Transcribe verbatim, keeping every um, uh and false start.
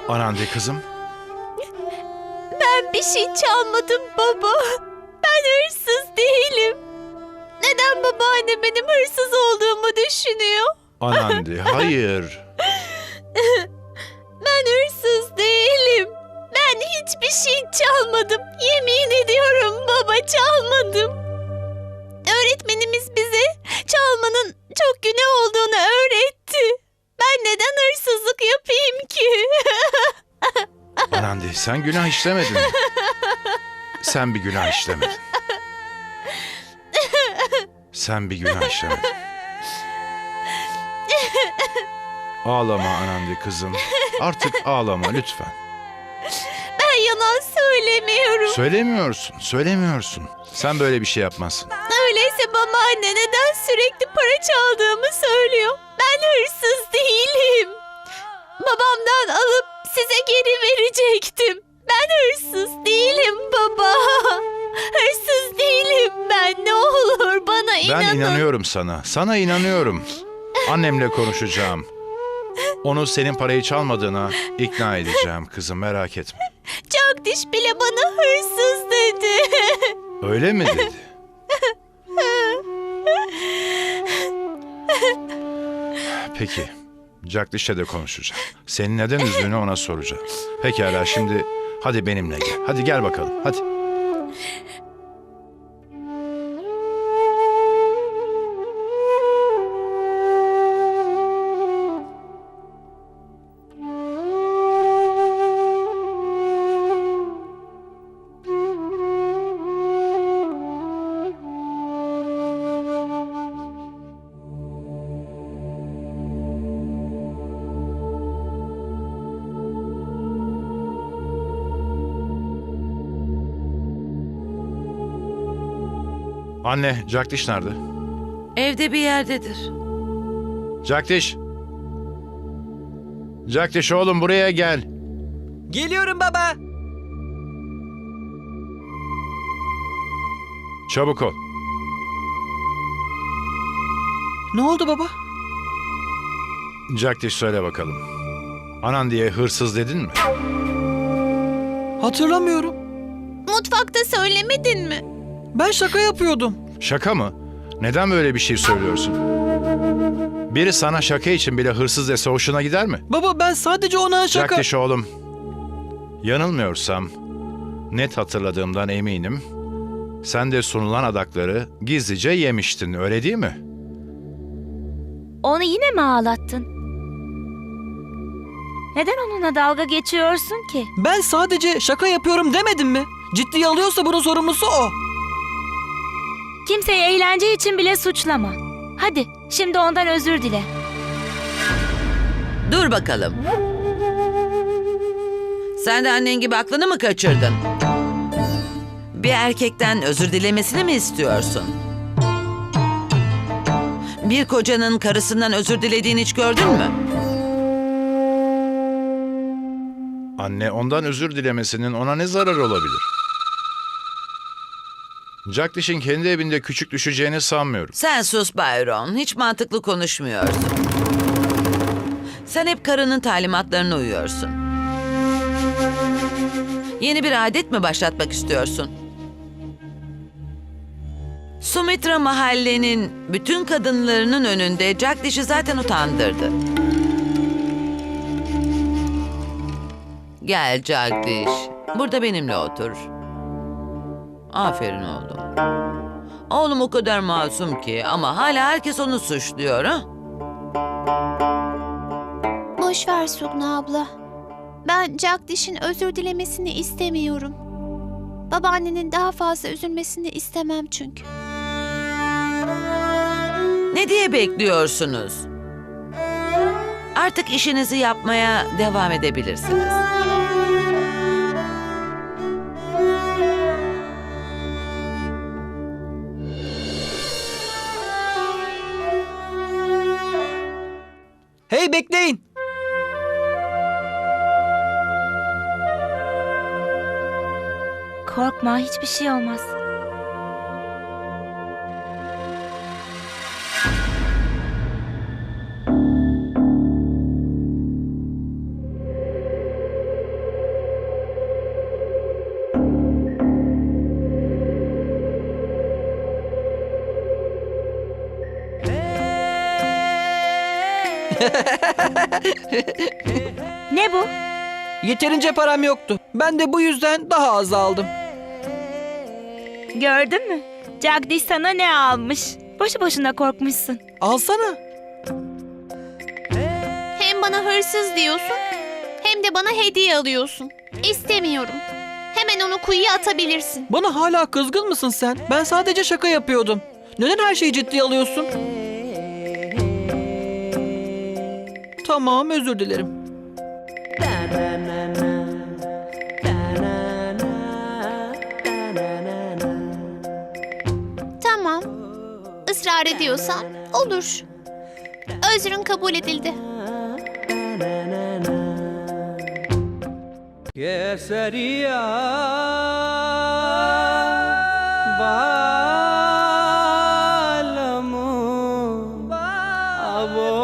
Anandi kızım. Ben bir şey çalmadım baba. Ben hırsız değilim. Neden babaanne benim hırsız olduğumu düşünüyor? Anandi, hayır. Ben hırsız değilim. Ben hiçbir şey çalmadım. Yemin ediyorum baba, çalmadım. Öğretmenimiz bize çalmanın çok günah olduğunu öğretti. Ben neden hırsızlık yapayım ki? Anandi, sen günah işlemedin. Sen bir günah işlemedin. Sen bir günah işlemedin. Ağlama Anandi kızım. Artık ağlama lütfen. Ben yalan söylemiyorum. Söylemiyorsun, söylemiyorsun. Sen böyle bir şey yapmazsın. Öyleyse babaanne neden sürekli para çaldığımı söylüyor? Ben hırsız değilim. Babamdan alıp size geri verecektim. Ben hırsız değilim baba. Hırsız değilim ben. Ne olur bana inanın. Ben inanıyorum sana. Sana inanıyorum. Annemle konuşacağım. Onu senin parayı çalmadığına ikna edeceğim kızım, merak etme. Jagdish bile bana hırsız dedi. Öyle mi dedi? Peki. Jagdish'le de konuşacağım. Seni neden üzdüğünü ona soracağım. Pekala, şimdi hadi benimle gel. Hadi gel bakalım, hadi. Anne, Jagdish nerede? Evde bir yerdedir. Jagdish! Jagdish oğlum, buraya gel. Geliyorum baba. Çabuk ol. Ne oldu baba? Jagdish, söyle bakalım. Anandi'ye hırsız dedin mi? Hatırlamıyorum. Mutfakta söylemedin mi? Ben şaka yapıyordum. Şaka mı? Neden böyle bir şey söylüyorsun? Biri sana şaka için bile hırsız dese hoşuna gider mi? Baba ben sadece ona şaka... Jagdish oğlum, yanılmıyorsam, net hatırladığımdan eminim, sen de sunulan adakları gizlice yemiştin, öyle değil mi? Onu yine mi ağlattın? Neden onunla dalga geçiyorsun ki? Ben sadece şaka yapıyorum demedim mi? Ciddiye alıyorsa bunun sorumlusu o. Kimseyi eğlence için bile suçlama. Hadi, şimdi ondan özür dile. Dur bakalım. Sen de annen gibi aklını mı kaçırdın? Bir erkekten özür dilemesini mi istiyorsun? Bir kocanın karısından özür dilediğini hiç gördün mü? Anne, ondan özür dilemesinin ona ne zararı olabilir? Jagdish'in kendi evinde küçük düşeceğini sanmıyorum. Sen sus Byron. Hiç mantıklı konuşmuyorsun. Sen hep karının talimatlarına uyuyorsun. Yeni bir adet mi başlatmak istiyorsun? Sumitra mahallenin bütün kadınlarının önünde Jagdish'i zaten utandırdı. Gel Jagdish. Burada benimle otur. Aferin oğlum. Oğlum o kadar masum ki ama hala herkes onu suçluyor ha? Boş ver Sugna abla. Ben Jagdish'in özür dilemesini istemiyorum. Babaannenin daha fazla üzülmesini istemem çünkü. Ne diye bekliyorsunuz? Artık işinizi yapmaya devam edebilirsiniz. Hey bekleyin. Korkma, hiçbir şey olmaz. Ne bu? Yeterince param yoktu. Ben de bu yüzden daha az aldım. Gördün mü? Jagdish sana ne almış? Boşu boşuna korkmuşsun. Alsana. Hem bana hırsız diyorsun hem de bana hediye alıyorsun. İstemiyorum. Hemen onu kuyuya atabilirsin. Bana hala kızgın mısın sen? Ben sadece şaka yapıyordum. Neden her şeyi ciddiye alıyorsun? Tamam, özür dilerim. Tamam. Israr ediyorsan olur. Özrün kabul edildi. Kesaria